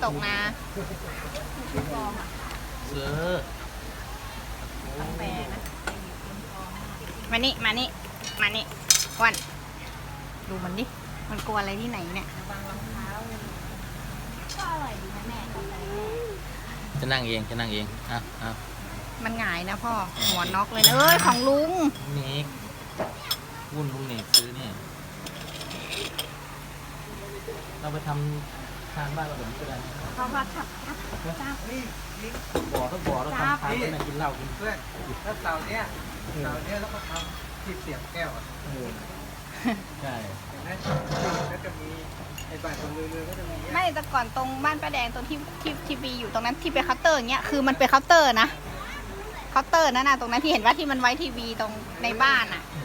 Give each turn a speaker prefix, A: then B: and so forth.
A: ตกนะ
B: เสือ
A: ต้องแปลนะมานี่มานี่มานี่วันดูมันดิมันกลัวอะไรที่ไหนเนี่ยระวังรองเท้าก็อร่อยดีนะแม่กาแฟ
B: จะนั่งเองจะนั่งเองอ่ะ
A: มันหงายนะพ่อหัวน็อกเลยนะเอ้ยของลุง
B: เนกวุ่นลุงเนกซื้อเนี่ยเราไปทำทางบ้านเราแบบนี้ก็ได้
A: พ่อพ่อจับจับ
B: บ่อต้องบ่อเราทำทางไปกินเหล้ากิน
C: เพื่อนถ้าเสาเนี้ยแล้วก็ทำที่เสียบแก้วอ่ะ
B: ใช่
C: นะก็จะมีไอ้บ้านตรงเรือก็จะมี
A: ไม่แต่ก่อนตรงบ้านป้าแดงตรงที่ทีวีอยู่ตรงนั้นที่เป็นเคาน์เตอร์อย่างเงี้ยคือมันเป็นเคาน์เตอร์นะเคาน์เตอร์นั่นน่ะตรงนั้นที่เห็นว่าที่มันไว้ทีวีตรงในบ้านอ่ะ